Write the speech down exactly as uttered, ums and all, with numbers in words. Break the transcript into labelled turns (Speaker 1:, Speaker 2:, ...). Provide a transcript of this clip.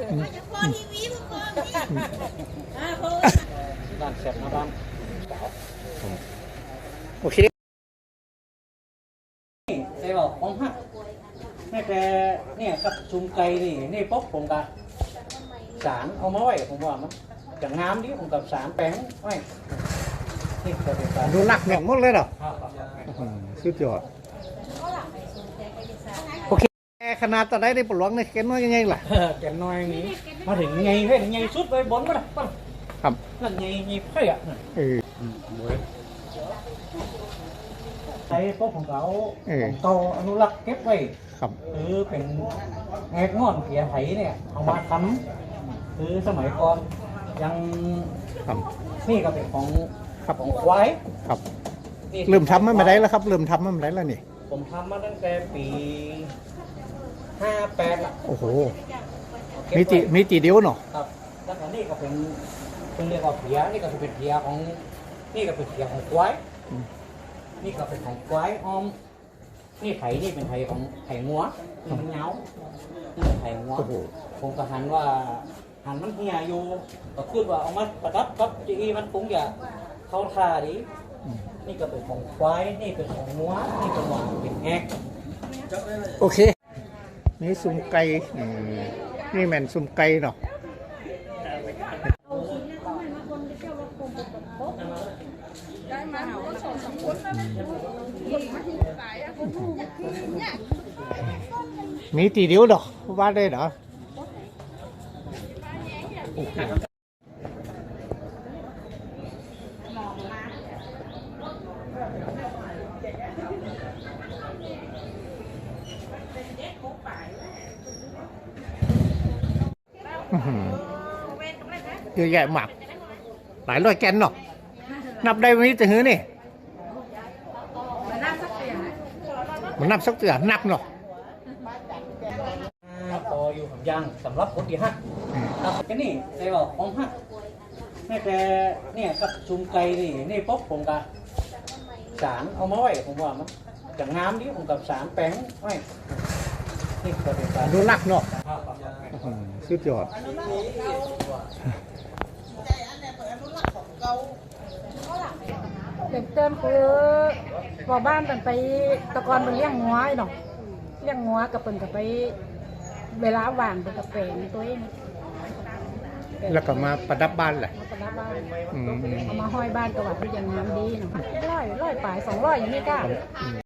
Speaker 1: บ้านแซ่บนะบ้านโอเคนี่ใช่บอกผมฮะนี่แต่เนี่ยกับชุมไก่นี่นี่ป๊อกผมกับสารเอามาไว้ผมว่ามันจะงามดิผมกับสารแป้งไว้นี่ก็เป็นการดูหนักหน่วงหมดเลยเหรอสุดยอดโอเคขนาดตอนได้ได้ปลวกเนี่ยแกน้อยยังไงล่ะแกน้อยนี้มาถึงไงเฮ้ยไงสุดไปบนก็ได้ป่ะครับนั่นไงไงเฮ้ยอ่ะเออใช้พวกของเขาของเก่าอนุรักษ์เก็บไว้ครับคือเป็นแงกงอนเผียไถเนี่ยเอามาทำคือสมัยก่อนยังนี่ก็เป็นของของควายครับเริ่มทำมาได้แล้วครับเริ่มทำมาได้แล้วนี่ผมทำมาตั้งแต่ปีห้าแปดละโอ้โหมีจีมีจีเดียวเนาะครับแล้วก็นี่ก็เป็นเป็นเรียกว่าเผียนี่ก็เป็นเผียของนี่ก็เป็นเผียของควายนี่ก็เป็นของควายออมนี่ไถนี่เป็นไถของไถงัวมันเงานี่เป็นไถงัวผมก็หันว่าหันมันเหี่ยอยู่ก็คิดว่าเอามาประดับกับจีมันคงจะเข้าท่าดีนี่ก็เป็นของควายนี่เป็นของงัวนี่เป็นของเป็นแงกโอเคนี่ซุ่มไก่นี่แม่นซุ่มไก่เนาะมีตีเดียวดอกว่าได้เหรอเยอะแยะมากหลายร้อยแกนเนาะนับได้ไหมจะหื้อนี่มันนับสักเตือนับเนาะพออยู่กับยางสำหรับคนที่ห้าครับแค่นี้ใช่บอกของห้านี่แต่เนี่ยกับชุมไก่นี่นี่ป๊อกผมกับสารเอามาไว้ผมว่ามันจะงามดิผมกับสารแป้งไว้นี่ก็เป็นการดูหนักเนาะสุดยอด
Speaker 2: เด็กเติมคือพอบ้านเป็นไปตะกอนเป็นเลี้ยงงัวเนาะเลี้ยงงัวกับเป็นกับไปเวลาว่างเป็นกับเป็นตัวเอง
Speaker 1: แล้วก็มาประดับบ้านแหละ
Speaker 2: มาประดับบ้านเอามาห้อยบ้านกระหวัดที่ยังงามดีเนาะร้อยร้อยปลายสองร้อยอย่างนี้ก้า